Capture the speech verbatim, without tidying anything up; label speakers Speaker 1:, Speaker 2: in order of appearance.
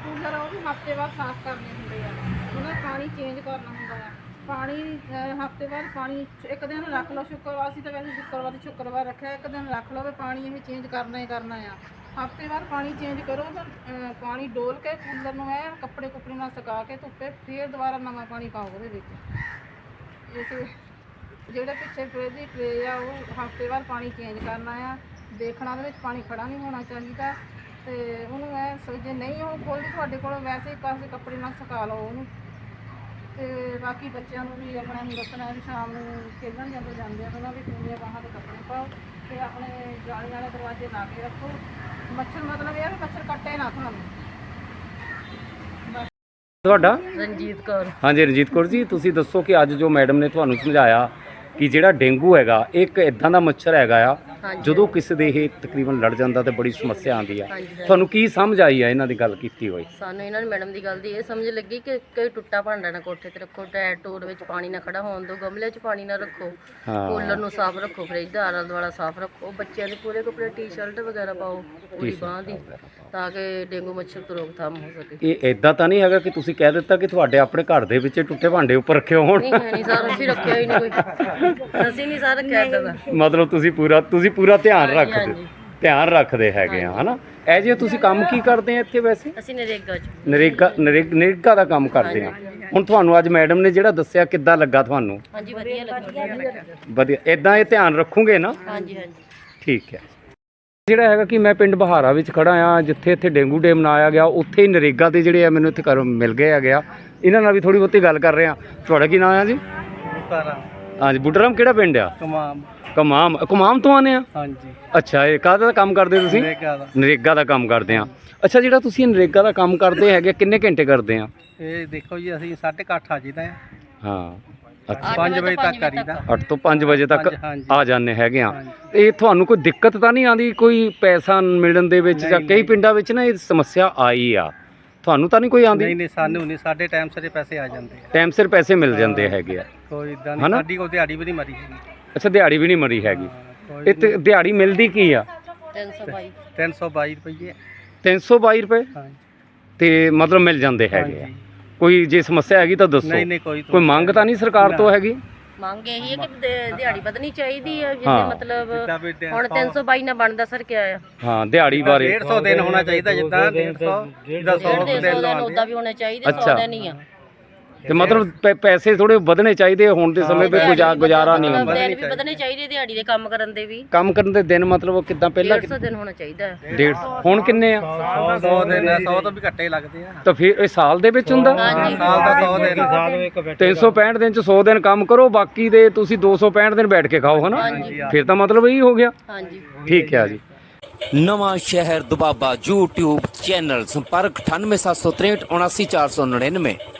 Speaker 1: Cooler ਉਹ ਵੀ ਹਫ਼ਤੇ ਬਾਅਦ ਸਾਫ਼ ਕਰਨੇ ਹੁੰਦੇ ਆ, ਉਹਨਾਂ ਦਾ ਪਾਣੀ ਚੇਂਜ ਕਰਨਾ ਹੁੰਦਾ ਆ। ਪਾਣੀ ਹਫ਼ਤੇ ਬਾਅਦ ਪਾਣੀ ਇੱਕ ਦਿਨ ਰੱਖ ਲਓ, ਸ਼ੁੱਕਰਵਾਰ ਸੀ ਤਾਂ ਵੈਸੇ ਸ਼ੁੱਕਰਵਾਰ ਦੀ ਸ਼ੁੱਕਰਵਾਰ ਰੱਖਿਆ, ਇੱਕ ਦਿਨ ਰੱਖ ਲਓ ਵੀ ਪਾਣੀ ਇਹ ਚੇਂਜ ਕਰਨਾ ਹੀ ਕਰਨਾ ਆ। ਹਫ਼ਤੇ ਬਾਅਦ ਪਾਣੀ ਚੇਂਜ ਕਰੋ, ਫਿਰ ਪਾਣੀ ਡੋਲ ਕੇ ਕੂਲਰ ਨੂੰ ਐ ਕੱਪੜੇ ਕੁੱਪੜੇ ਨਾਲ ਸੁਕਾ ਕੇ ਧੁੱਪੇ, ਫਿਰ ਦੁਬਾਰਾ ਨਵਾਂ ਪਾਣੀ ਪਾਓ ਉਹਦੇ ਵਿੱਚ। ਇਸ ਜਿਹੜੇ ਪਿੱਛੇ ਟਰੇ ਦੀ ਟਰੇ ਆ ਉਹ ਹਫ਼ਤੇ ਬਾਅਦ ਪਾਣੀ ਚੇਂਜ ਕਰਨਾ ਆ। ਦੇਖਣਾ ਉਹਦੇ ਵਿੱਚ ਪਾਣੀ ਖੜਾ ਨਹੀਂ ਹੋਣਾ ਚਾਹੀਦਾ, ਤੇ ਉਹਨੂੰ ਐ ਜੇ ਨਹੀਂ ਉਹ ਖੋਲ੍ਹਦੀ ਤੁਹਾਡੇ ਕੋਲ ਵੈਸੇ ਹੀ ਕਾਸੇ ਕੱਪੜੇ ਨਾਲ ਸੁਕਾ ਲਓ ਉਹਨੂੰ। ਤੇ ਬਾਕੀ ਬੱਚਿਆਂ ਨੂੰ ਵੀ ਆਪਣਾ ਨੂੰ ਦੱਸਣਾ ਵੀ ਸ਼ਾਮ ਨੂੰ ਖੇਡਣ ਜਾਂਦੇ ਜਾਂਦੇ ਆ ਉਹਨਾਂ ਵੀ ਪੂਰੀਆਂ ਬਾਹਾਂ ਦੇ ਕੱਪੜੇ ਪਾਓ, ਤੇ ਆਪਣੇ ਜਾਲੀ ਵਾਲੇ ਦਰਵਾਜ਼ੇ ਲਾ ਕੇ ਰੱਖੋ। ਮੱਛਰ ਮਤਲਬ ਇਹ ਵੀ ਮੱਛਰ ਕੱਟੇ ਨਾ ਤੁਹਾਨੂੰ।
Speaker 2: ਤੁਹਾਡਾ?
Speaker 3: ਰਣਜੀਤ ਕੌਰ।
Speaker 2: ਹਾਂਜੀ ਰਣਜੀਤ ਕੌਰ ਜੀ, ਤੁਸੀਂ ਦੱਸੋ ਕਿ ਅੱਜ ਜੋ ਮੈਡਮ ਨੇ ਤੁਹਾਨੂੰ ਸਮਝਾਇਆ ਕਿ ਜਿਹੜਾ ਡੇਂਗੂ ਹੈਗਾ ਇੱਕ ਇਦਾਂ ਦਾ ਮੱਛਰ ਹੈਗਾ ਆ ਜਦੋਂ ਕਿਸੇ ਦੇ ਇਹ ਤਕਰੀਬਨ ਲੜ ਜਾਂਦਾ ਤੇ ਬੜੀ ਸਮੱਸਿਆ ਆਉਂਦੀ ਆ, ਤੁਹਾਨੂੰ ਕੀ ਸਮਝ ਆਈ ਆ ਇਹਨਾਂ ਦੀ ਗੱਲ ਕੀਤੀ ਹੋਈ?
Speaker 3: ਸਾਨੂੰ ਇਹਨਾਂ ਨੇ ਮੈਡਮ ਦੀ ਗੱਲ ਦੀ ਇਹ ਸਮਝ ਲੱਗੀ ਕਿ ਕੋਈ ਟੁੱਟਾ ਭਾਂਡਾ ਨਾ ਕੋਠੇ ਤੇ ਰੱਖੋ, ਟਾਇਰ ਟੂਰ ਵਿੱਚ ਪਾਣੀ ਨਾ ਖੜਾ ਹੋਣ ਦਿਓ, ਗਮਲੇ 'ਚ ਪਾਣੀ ਨਾ ਰੱਖੋ, ਕੂਲਰ ਨੂੰ ਸਾਫ਼ ਰੱਖੋ, ਫਰਿੱਜ ਦਾ ਆਲਾ ਦੁਆਲਾ ਸਾਫ਼ ਰੱਖੋ, ਬੱਚਿਆਂ ਦੇ ਪੂਰੇ ਕੱਪੜੇ ਟੀ-ਸ਼ਰਟ ਵਗੈਰਾ ਪਾਓ ਪੂਰੀ ਬਾਂਹ ਦੀ, ਤਾਂ ਕਿ ਡੇਂਗੂ ਮੱਛਰ ਤੋਂ ਰੋਕਥਾਮ ਹੋ ਸਕੇ।
Speaker 2: ਇਹ ਇਦਾਂ ਤਾਂ ਨਹੀਂ ਹੈਗਾ ਕਿ ਤੁਸੀਂ ਕਹਿ ਦਿੱਤਾ ਕਿ ਤੁਹਾਡੇ ਆਪਣੇ ਘਰ ਦੇ ਵਿੱਚ ਟੁੱਟੇ ਭਾਂਡੇ ਉੱਪਰ ਰੱਖੇ ਹੋਣ?
Speaker 3: ਨਹੀਂ ਹੈ ਨਹੀਂ ਸਰ, ਅਸੀਂ ਰੱਖਿਆ ਹੀ ਨਹੀਂ ਕੋਈ, ਅਸੀਂ ਨਹੀਂ ਸਰ ਰੱਖਿਆ ਇੱਦਾਂ ਦਾ।
Speaker 2: ਮਤਲਬ ਤੁਸੀਂ ਪੂਰਾ ਤੁਸੀਂ ਪੂਰਾ ਧਿਆਨ ਰੱਖਦੇ ਧਿਆਨ ਰੱਖਦੇ ਹੈਗੇ ਆ, ਹਨਾ? ਇਹ ਜੇ ਤੁਸੀਂ ਕੰਮ ਕੀ ਕਰਦੇ ਆ ਇੱਥੇ ਵੈਸੇ?
Speaker 3: ਅਸੀਂ ਨਰੇਗਾ 'ਚ
Speaker 2: ਨਰੇਗਾ ਨਰੇਗਾ ਦਾ ਕੰਮ ਕਰਦੇ ਆ। ਹੁਣ ਤੁਹਾਨੂੰ ਅੱਜ ਮੈਡਮ ਨੇ ਜਿਹੜਾ ਦੱਸਿਆ ਕਿੱਦਾਂ ਲੱਗਾ ਤੁਹਾਨੂੰ?
Speaker 3: ਹਾਂਜੀ ਵਧੀਆ ਲੱਗਿਆ।
Speaker 2: ਵਧੀਆ। ਇਦਾਂ ਇਹ ਧਿਆਨ ਰੱਖੋਗੇ ਨਾ?
Speaker 3: ਹਾਂਜੀ ਹਾਂਜੀ
Speaker 2: ਠੀਕ ਹੈ। ਜਿਹੜਾ ਹੈਗਾ ਕਿ ਮੈਂ ਪਿੰਡ ਬਹਾਰਾ ਵਿੱਚ ਖੜਾ ਆ, ਜਿੱਥੇ ਇੱਥੇ ਡੇਂਗੂ ਡੇ ਮਨਾਇਆ ਗਿਆ, ਉੱਥੇ ਹੀ ਨਰੇਗਾ ਦੇ ਜਿਹੜੇ ਆ ਮੈਨੂੰ ਇੱਥੇ ਘਰ ਮਿਲ ਗਏ ਹੈਗੇ ਆ। ਇਹਨਾਂ ਨਾਲ ਵੀ ਥੋੜੀ ਬਹੁਤੀ ਗੱਲ ਕਰ ਰਹੇ ਆ। ਤੁਹਾਡਾ ਕੀ ਨਾਮ ਆ ਜੀ?
Speaker 4: ਬੁੱਟਾਰਾਮ।
Speaker 2: ਹਾਂਜੀ ਬੁੱਟਾਰਾਮ ਕਿਹੜਾ ਪਿੰਡ ਆ?
Speaker 4: ਕਮਾਮ।
Speaker 2: ਕਮਾਮ ਕਮਾਮ ਤੋਂ ਆਨੇ ਆ?
Speaker 4: ਹਾਂਜੀ।
Speaker 2: ਅੱਛਾ, ਇਹ ਕਾਹਦਾ ਕੰਮ ਕਰਦੇ ਤੁਸੀਂ?
Speaker 4: ਨਰੇਗਾ ਦਾ।
Speaker 2: ਨਰੇਗਾ ਦਾ ਕੰਮ ਕਰਦੇ ਆ। ਅੱਛਾ, ਜਿਹੜਾ ਤੁਸੀਂ ਨਰੇਗਾ ਦਾ ਕੰਮ ਕਰਦੇ ਹੈਗੇ ਕਿੰਨੇ ਘੰਟੇ ਕਰਦੇ ਆ?
Speaker 4: ਇਹ ਦੇਖੋ ਜੀ ਅਸੀਂ ਸਾਢੇ ਕੁ ਅੱਠ ਆ ਜੀਦਾ ਆ।
Speaker 2: ਹਾਂ ਅੱਛਾ,
Speaker 4: ਪੰਜ ਵਜੇ ਤੱਕ ਕਰੀਦਾ।
Speaker 2: ਅੱਠ ਤੋਂ ਪੰਜ ਵਜੇ ਤੱਕ
Speaker 4: ਹਾਂਜੀ।
Speaker 2: ਆ ਜਾਂਦੇ ਹੈਗੇ ਆ। ਇਹ ਤੁਹਾਨੂੰ ਕੋਈ ਦਿੱਕਤ ਤਾਂ ਨਹੀਂ ਆਉਂਦੀ ਕੋਈ ਪੈਸਾ ਮਿਲਣ ਦੇ ਵਿੱਚ? ਜਾਂ ਕਈ ਪਿੰਡਾਂ ਵਿੱਚ ਨਾ ਇਹ ਸਮੱਸਿਆ ਆਈ ਆ, ਤੁਹਾਨੂੰ ਤਾਂ ਨਹੀਂ ਕੋਈ ਆਉਂਦੀ?
Speaker 4: ਨਹੀਂ ਨਹੀਂ ਸਾਨੂੰ ਨਹੀਂ, ਸਾਡੇ ਟਾਈਮ ਸਿਰ ਪੈਸੇ ਆ ਜਾਂਦੇ ਆ।
Speaker 2: ਟਾਈਮ ਸਿਰ ਪੈਸੇ ਮਿਲ ਜਾਂਦੇ ਹੈਗੇ ਆ,
Speaker 4: ਕੋਈ ਇਦਾਂ ਨਹੀਂ, ਸਾਡੀ ਕੋਈ ਦਿਹਾੜੀ ਵੀ ਨਹੀਂ ਮਰੀ ਹੈਗੀ।
Speaker 2: ਅੱਛਾ, ਦਿਹਾੜੀ ਵੀ ਨਹੀਂ ਮਰੀ ਹੈਗੀ। ਇਹ ਤੇ ਦਿਹਾੜੀ ਮਿਲਦੀ ਕੀ ਆ?
Speaker 3: ਤਿੰਨ ਸੌ ਬਾਈ
Speaker 4: ਤਿੰਨ ਸੌ ਬਾਈ ਰੁਪਏ।
Speaker 2: ਤਿੰਨ ਸੌ ਬਾਈ ਰੁਪਏ
Speaker 4: ਹਾਂਜੀ।
Speaker 2: ਤੇ ਮਤਲਬ ਮਿਲ ਜਾਂਦੇ ਹੈਗੇ ਆ। ਕੋਈ ਜੇ ਸਮੱਸਿਆ ਹੈਗੀ ਤਾਂ ਦੱਸੋ।
Speaker 4: ਨਹੀਂ ਨਹੀਂ ਕੋਈ
Speaker 2: ਕੋਈ ਮੰਗ ਤਾਂ ਨਹੀਂ ਸਰਕਾਰ ਤੋਂ ਹੈਗੀ?
Speaker 3: ਮੰਗ ਇਹੀ ਹੈ ਕਿ ਦਿਹਾੜੀ ਵਧਣੀ ਚਾਹੀਦੀ ਹੈ, ਜਿਵੇਂ ਮਤਲਬ ਹੁਣ ਤਿੰਨ ਸੌ ਬਾਈ ਨਾ ਬਣਦਾ ਸਰ ਕਿਆ ਆ?
Speaker 2: ਹਾਂ, ਦਿਹਾੜੀ ਬਾਰੇ
Speaker 4: ਡੇਢ ਸੌ ਦਿਨ ਹੋਣਾ ਚਾਹੀਦਾ, ਜਿੱਦਾਂ ਡੇਢ ਸੌ ਜਿੱਦਾਂ ਸੌ ਦਿਨ
Speaker 3: ਉਹਦਾ ਵੀ ਹੋਣਾ ਚਾਹੀਦਾ, ਸੌ ਦਿਨ ਹੀ ਆ।
Speaker 2: ਤੇ ਮਤਲਬ ਪੈਸੇ ਥੋੜੇ ਵਧਣੇ ਚਾਹੀਦੇ ਹੁਣ ਦੇ ਸਮੇਂ ਵਿੱਚ, ਗੁਜ਼ਾਰਾ ਨਹੀਂ ਹੁੰਦਾ।
Speaker 3: ਦਿਨ ਵੀ ਵਧਣੇ ਚਾਹੀਦੇ ਦਿਹਾੜੀ ਦੇ ਕੰਮ ਕਰਨ ਦੇ ਵੀ।
Speaker 2: ਕੰਮ ਕਰਨ ਦੇ ਦਿਨ ਮਤਲਬ ਕਿੱਦਾਂ? ਪਹਿਲਾਂ
Speaker 3: ਡੇਢ ਸੌ ਦਿਨ ਹੋਣਾ ਚਾਹੀਦਾ ਹੈ।
Speaker 2: ਡੇਢ ਹੁਣ ਕਿੰਨੇ ਆ?
Speaker 4: ਸੌ ਦਿਨ, ਸੌ ਤੋਂ ਵੀ ਘੱਟੇ ਲੱਗਦੇ ਆ।
Speaker 2: ਤਾਂ ਫਿਰ ਇਹ ਸਾਲ ਦੇ ਵਿੱਚ ਹੁੰਦਾ?
Speaker 3: ਹਾਂਜੀ।
Speaker 4: ਸਾਲ ਦਾ ਸੌ ਦਿਨ।
Speaker 2: ਤਿੰਨ ਸੌ ਪੈਂਹਠ ਦਿਨ ਚ ਸੌ ਦਿਨ ਕੰਮ ਕਰੋ, ਬਾਕੀ ਦੇ ਤੁਸੀਂ ਦੋ ਸੌ ਪੈਂਹਠ ਦਿਨ ਬੈਠ ਕੇ ਖਾਓ, ਹਨਾ? ਫਿਰ ਤਾਂ ਮਤਲਬ ਇਹੀ ਹੋ ਗਿਆ।
Speaker 3: ਹਾਂਜੀ
Speaker 2: ਠੀਕ ਹੈ ਜੀ।
Speaker 5: ਨਵਾਂ ਸ਼ਹਿਰ ਦੁਬਾਬਾ YouTube ਚੈਨਲ, ਸੰਪਰਕ ਅਠਾਨਵੇਂ ਸੱਤ ਸੌ ਤਰੇਹਠ ਉਨਾਸੀ ਚਾਰ ਸੌ ਨੜਿਨਵੇਂ।